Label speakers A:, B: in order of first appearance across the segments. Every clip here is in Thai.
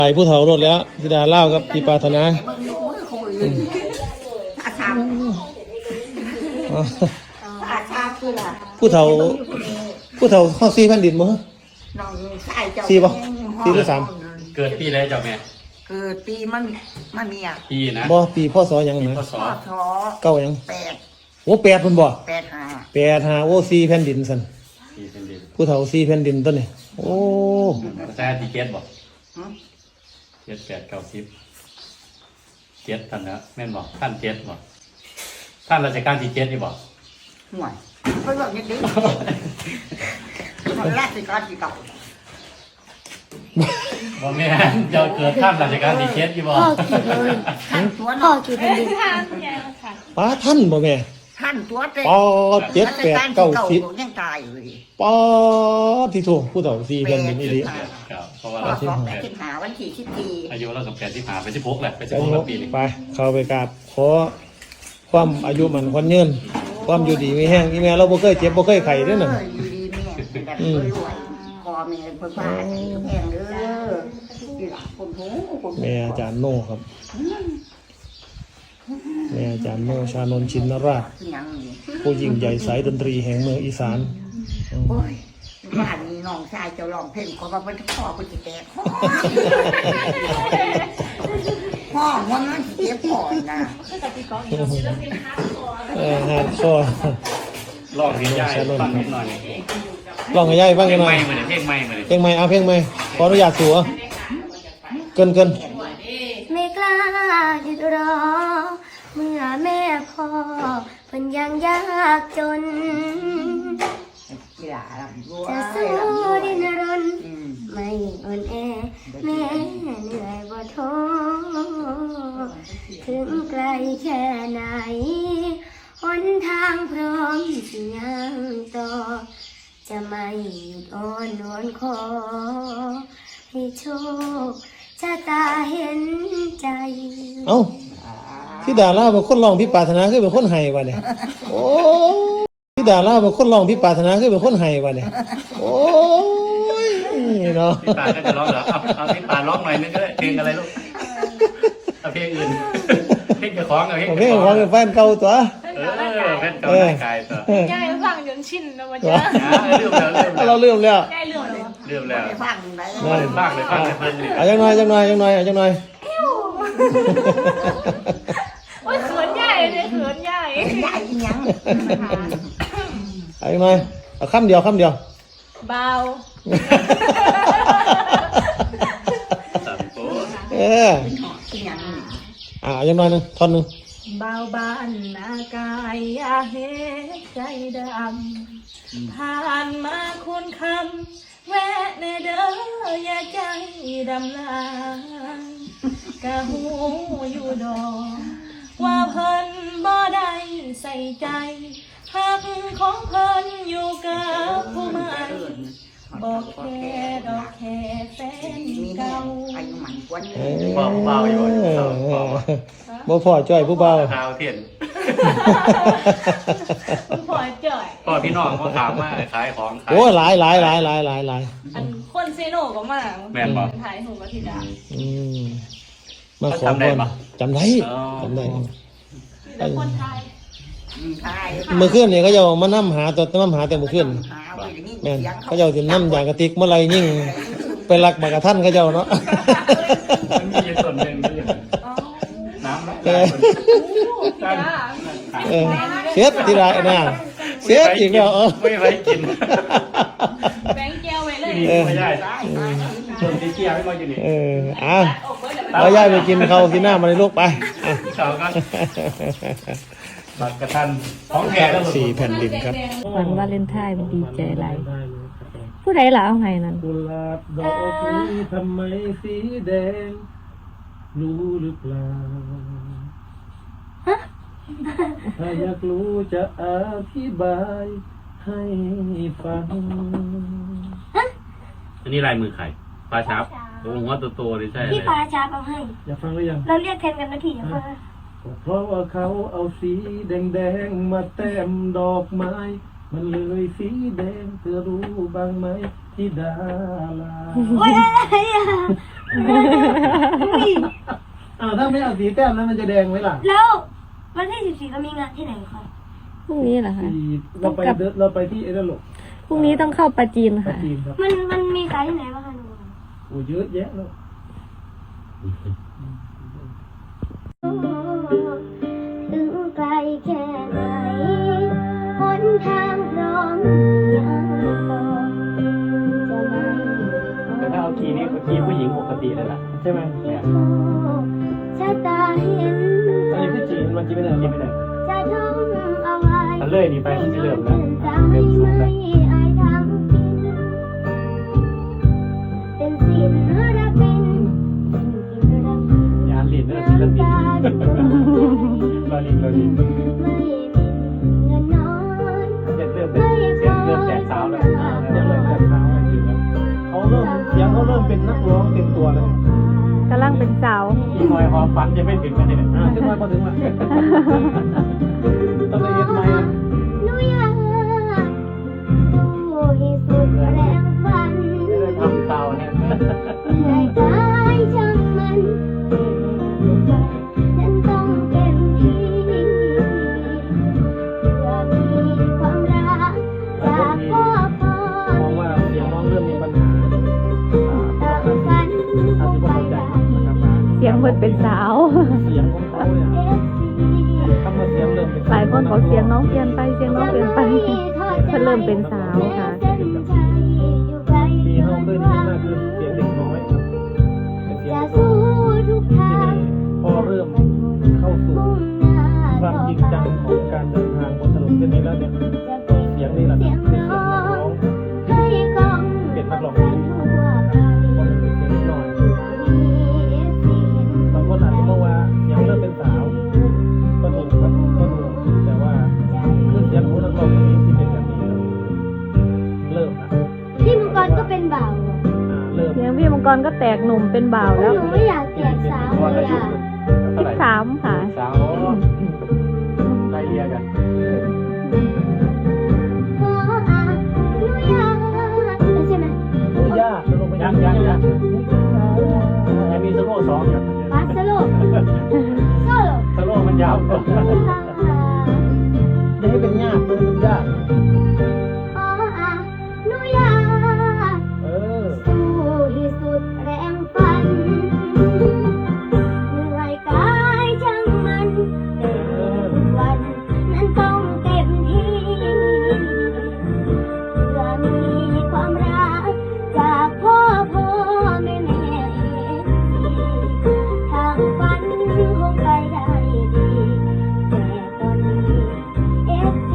A: ไปผู้เฒ่ารถแล้วธิดาเล่ากับพี่ปรารถนาผู้เฒ่าข้อ4แผ่นดินมั้ง4ป่ะ4หรือ3
B: เกิดปีอะไรเจ้าแม่
C: เกิดปีมันมีอ่ะ
B: ปีนะ
A: บ่ปีพศยังนะ
B: พศ
A: เก้ายัง
C: 8
A: โอ้8เพิ่นบ่
C: 85
A: โอ้4แผ่นดินซั่น
B: 4เป็นดิน
A: ผู้เฒ่า4แผ่นดินต้นนี่โอ้
B: ภาษาที่7บ่7 8 9 10 7ท่านนะแม่นบ่ท่าน7บ่ท่านราชการที่7นี่บ่
C: ห่วยเพิ่นบอกอย่างนี้ราชการที่9
B: บ่แม่นเจ้าเกิดท่านราชการที่7อยู่บ่
C: พ่อกี่แผ่นดิน
A: ป้าท่านบ่แม่
C: ท่านตัวเต็ม
A: ป7 8 9 10
C: ยังตายเลย
A: ปที่ถูกผู้เฒ่า4แผ่นดินอีหลี
B: ครับเพราะว่าเรา
C: 85วันที่14
B: อายุเรากับ85ไป16แหละไป16ปีนี่
A: ไปเข้าไปกราบขอความอายุมันคนยืนความอยู่ดีมีแห้งอีแม่เราบ่เคยเจ็บบ่เคยไข้เด้อน่ะ
C: อยู่ดีแม่แบบรวยพ่อแม่เพิ่นบ้าแห้งเด้อที่หลังคนหู
A: แม่อาจารย์โน่ครับแม่อาจารย์โน่ชานนท์ชินราชผู้ยิ่งใหญ่สายดนตรีแห่งเมืองอีสาน
C: โอ้ยบ้านนี้น้องชายเจ้าร้องเพลงขอว่าเพิ่นพ่อเพิ่นสิแตกพ่อมันสิเจ็บพ่อนะ
A: ฮาร์ดคอร์
B: ลองเรียนยายฟังนิดหน่อย
A: ลองให้ยายฟังกันหน่อย
B: เพลงใหม่
A: เอาเพลงใหม่ขออนุญาตสัวเกิน
D: ไม่กล้าหยุดรอเมื่อแม่พ่อเพิ่นยังยากจนจะสู้ดิ้นรนไม่อ่อนแอแม่เหนื่อยบ่ท้อถึงไกลแค่ไหนหนทางพร้อมที่ยังต่อจะไม่หยุดอ้อนวอนขอให้โชคชะตาเห็นใจ
A: เอ้าพี่ดาราเป็นคนร้องพี่ปรารถนาคือเป็นคนไห้วะเนี่ยโอ้พี่ดาราเป็นคนร้องพี่ปรารถนาคือเป็นคนไห้วะเนี่ยโอ้ยเนาะ
B: พี่ปาก็จะร้องเหรอเอาพี่ปาร้องหน่อยนึงก็ได้เพลงอะไรลูกเอาเพลงอื่นเพลงจะคล้องเอา
A: เพลงของแฟนเก่าตัว
B: แฟนเก่าไม่กายตั
D: วยายฟังจนชินแล้วมันจะ
A: เราเลื่อมแล้ว
D: ยายเลื่อม
B: แล้ว
C: ฟังได้
B: ฟังเลย
A: เอาจังหน่อย
D: โอ้ยเขินใหญ่เลยเขินใหญ่
C: ยัง
A: เอาจังหน่อยเอาคำเดียว
D: เบา
A: เอาจังหน่อยนึงท่อนนึง
D: เบาบานหน้ากายอย่าเฮ็ดใจดำผ่านมาคุณคำแวะในเด้ออย่าใจดำลากะหูอยู่ดอกว่าเพิ่นบ่ได้ใส่ใจหักของเพิ่นอยู่กับผู้ใหม่บอกแค่ดอกแค่แฟนเก่า
B: เบาอยู่
A: บ่พอจ่อยผู้เบา
B: เท้าเทียน
D: พอจ่อย
B: พอพี่น้องเขาถามมาขายของ
A: โอ้หลาย
D: อันคนเซโนก็มา
B: แม่นบ่
D: ถ่ายหูกับธิดา
A: มาขอพรจำได้
D: คนไทย
A: เมื่อคืนนี่เขาจะมานั่มหาแต่เมื่อคืนแม่นเขาจะถึงนั่มอย่างกระติกเมื่อไรยิ่งไปรักมากระท่านเขาเจ้าเนาะ
B: มีส่วนหนึ่งน้ำ
A: เสียทีไรนะเสียจริงแล้ว
B: ไม่ไว้กิน
D: แบงแก้วไว้เลย
B: ไม่ได้ส่วนที่เกี่ยวไม่มาอยู่นี่
A: เราย่ายไปกินเขากินหน้ามาในลูกไป
B: เขาก็บัตรกระทันของแก่แล้ว
A: 4แผ่นดินครับ
E: วันวาเลนไทน์ดีใจไรผู้ใดล่ะเอาให้นั่น
F: กุหลาบดอกนี้ทำไมสีแดงรู้หรือเปล่าถ้าอยากรู้จะอธิบายให้ฟัง
B: อันนี้ลายมือใครปลาชับโอ้โหตัวโตเลยใช่
D: พี่ปลาชับเอาให้
F: อยากฟังหรือยัง
D: เราเรียกแทนกันนะทีอย่าฟัง
F: เพราะว่าเขาเอาสีแดงมาแต้มดอกไม้มันเลยสีแดงเธอรู้บ้างไหมที่ดารา
D: โอ้ยอะไรอ่ะ
A: ถ้าไม่เอาสีแต้มแล้วมันจะแดงไหมล่ะ
G: แล้ววันที่14เรามีงานที่ไหนคะ
E: พรุ่งนี้เหรอคะ
A: เราไปที่เอเดนหลก
E: พรุ่งนี้ต้องเข้าปาจีนค่ะ
A: จีนครับ
G: มันมีขายที่ไหนบ้างคะหนู
A: โอ้เยอะแยะเลย
G: ถึงไกลแค่ไหนหนทางพร้อมยังต่อจะไม่
B: แต่ถ้าเอาคีย์นี้คีย์ผู้หญิงปกติเลยล่ะ
A: ใช่ไหม
B: เนี่ย
G: ชะตาเห็น
A: อันนี้คือจีนมันจีนไม่ได้
B: คีย์ไม่ได้
G: จะท่องเอาไว้
B: ถ้าเลื่อยนี่ไปมันจะเริ่มแล้ว
G: ใจ
B: เริ่มสูง
G: ไม่
B: แล้ว
G: อายทำกินเป็นศิลปินกินรัก
B: อย่าหลีดเนอะศิลปินรอลิง
G: ไม่มีเงินนอน
B: เริ่มเป็นเสียงเริ่มแจกสาวแล้ว
A: เสียงเริ่มแบบเขาเสียงเขาเริ่มเป็นนักร้องเต็มตัวแล้ว
E: กำลังเป็นสาว
B: อีกหน่อยหอมฝันจะไม่ถึงกันเนี่ย
A: ถึงวันพอถึงวันต้องไปเรียนไหม
G: หนูอยากสู้ให้สุดแรงฝัน
B: ไม่ได้ทำสาวเนี่ย
G: เหนื่อยกายช่างมันฉันต้องเต็มที่เพื่อมีความรักจากพ่อ
A: มองว่าเสียงน้องเริ่มมีปัญหา
G: ตั้งฝันคงไปได้
E: เสียงเพิ่นเป็นสาว
A: เสียงของเขาเนี่ย
G: FC
A: คำว่าเสียงเริ่มเป็น
E: หลายคนบอกเสียงน้องเปลี่ยนไปเสียงน้องเปลี่ยนไปเพิ่นเริ่มเป็นสาวค่ะ
A: ปีห้องด้วยนี่น่าคือเสียงเด็กน้อยครับเป็นเสียง
G: จะ
A: เด็กน้
G: สู้
A: อย
G: ทุกทาง
A: พอเริ่มเข้าสู่ความจริงจังของการเดินทางบนถนนเส้นนี้แล้วเนี่ยเสียงนี่แหละคือเสียงนักร้อง
G: ให้กอง
A: เป็นนักร้อง
G: ทั่
A: ที่
G: วไป
A: พอมันเป็นเสียงนิดหน่อย
G: มีเสียง
A: บางคนอาจจะมองว่าเสียงเริ่มเป็นสาวก็ถูกครับก็ถูกแต่ว่าคือเสียงของนักร้องคนนี้ที่เป็นแบบนี้ครับเริ่มนะ
G: พี่มังกรก็เป็นบ่าวเหรอ
A: เริ่ม
E: เสียงพี่มังกรก็แตกหนุ่มเป็นบ่าวแล้ว
G: หนูไม่อยากแตกสาวเลยอ่ะ
B: เท่าไหร่
E: 13ค่ะ
B: สาวไล่เรียกัน
G: ขออ่ะหนูอยากใช่ไหม
A: โอ้ยากจะลงไป
B: ยังมีสโลว์2อยู่
G: ฟาสโลโซโล
B: สโลว์มันยาวกว่า
A: ยังไม่เป็นยากเลยเป็นยาก
G: ขออ่ะหนูอยาก
A: เออ
G: สู้ให้สุดแรงฝันเหนื่อยกายช่างมันแต่ทุกวันนั้นต้องเต็มที่เพื่อมีความรักจากพ่อแม่ทางฝันคงไปได้ดีแต่ตอนนี้ FC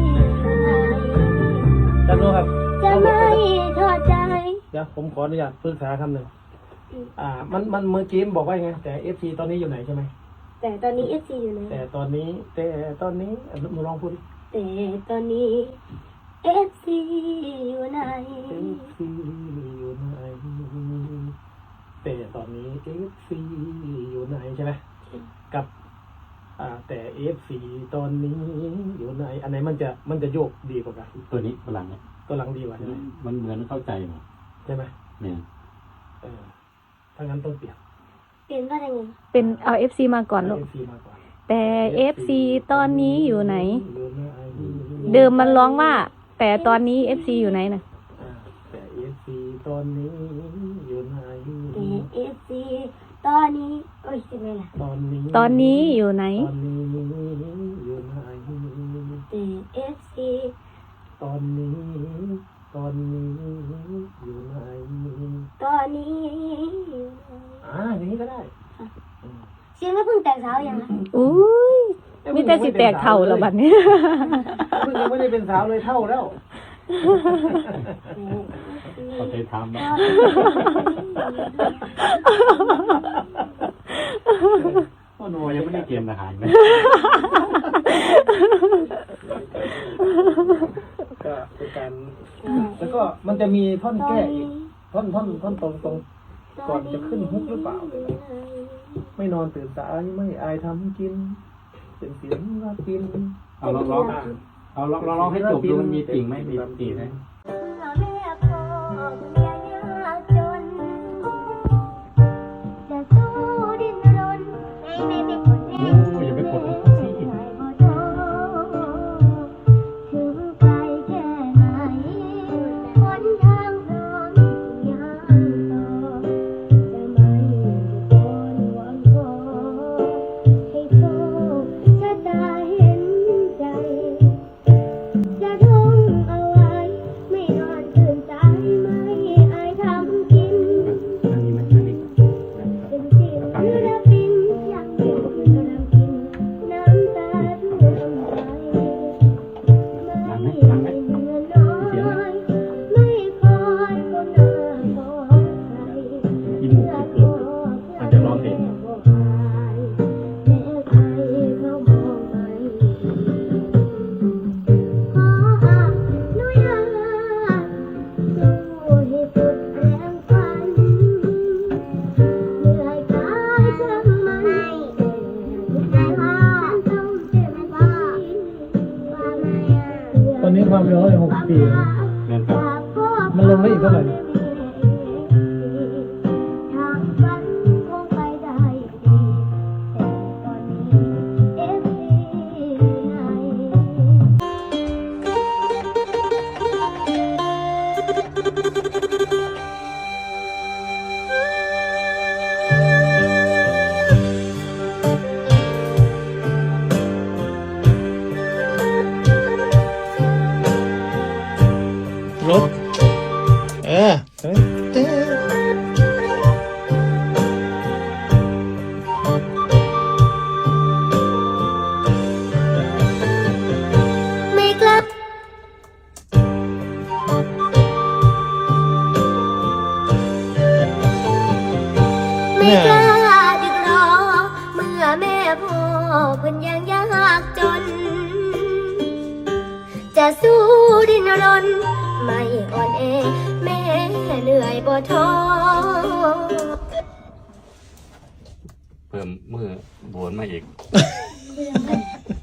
A: จันโนครับ
G: จะไม่ทอดใจ
A: เดี๋ยวผมขออนุญาตปรึกษาคำหนึ่งมันเมื่อกี้บอกว่าไงแต่ FC ตอนนี้อยู่ไหนใช่ไหม
G: แต่ตอนนี้ FC อยู่ไหน
A: แต่ตอนนี้หนูลองพูดดิ
G: แต่ตอนนี้ FC อยู่ไหน
A: FC อยู่ไหนแต่ตอนนี้ FC อยู่ไหนใช่ไหมกับแต่ FC ตอนนี้อยู่ไหนอันไหนมันจะโยกดีกว่ากัน
B: ตัวนี้พลังเนี่ย
A: ตัวหลังดีกว่าใช่ไหม
B: มันเหมือนเข้าใจหมด
A: ใช่ไหม
B: เนี่ย
A: ถ้างั้นต้องเปลี่ยน
G: เปลี่ยนว่าอะไรไง
E: เป็นเอา FC มาก่อนลูก
A: FC มากกว่า
E: แต่ FC ตอนนี้อยู่ไหน
A: อยู่ไหน
E: เดิมมันร้องว่า แต่ตอนนี้ FC อยู่ไหนนะ
A: แต่ FC ตอนนี้อยู่ไหน
G: แต่ FC ตอนนี้โอ้ยจะไงล่ะ
A: ตอนนี้
E: ตอนนี้อยู่ไหน
A: ตอนนี้อยู่ไหน
G: แต่ FC
A: ตอนนี้อยู่ไหน
G: ตอนนี้อยู่ไหน
A: อย่างนี้ก็ได้
G: เสียงก็เพิ่งแตกสาวยังนะ
E: อุ้ยมีแต่สิแตกเท่าแล้วบัดนี้
A: เพิ่งยังไม่ได้เป็นสาวเลยเท่าแล้ว
B: เขาเคยทำนะ โอ้โหยังไม่ได้เตรียมอาหารเลย
A: ก็เป็นการแล้วก็มันจะมีท่อนแก้อีกท่อนตรงก่อนจะขึ้นฮุกหรือเปล่าไม่นอนตื่นสายไม่อายทำกิน เป็นเสียงรักกิน
B: เอาลองให้จบดูมันมีติ่งไหมมีติ่งไหม
G: แม่พ่อเมียยากจน
A: ปี
B: แม่นครับ
A: มันลงได้อีกเท่าไหร่
G: ทางฝันคงไปได้ดีตอนนี้เอฟซีอยู่ไหน
A: รถเต้
G: ไม่กลับไม่กล้าดึกรอเมื่อแม่พ่อเพิ่นยังยากจน จะสู้ดิ้นรนไม่อ่อนแอแม่เหนื่อยบ่ท้อ
B: เพิ่มมือโบนมาอีก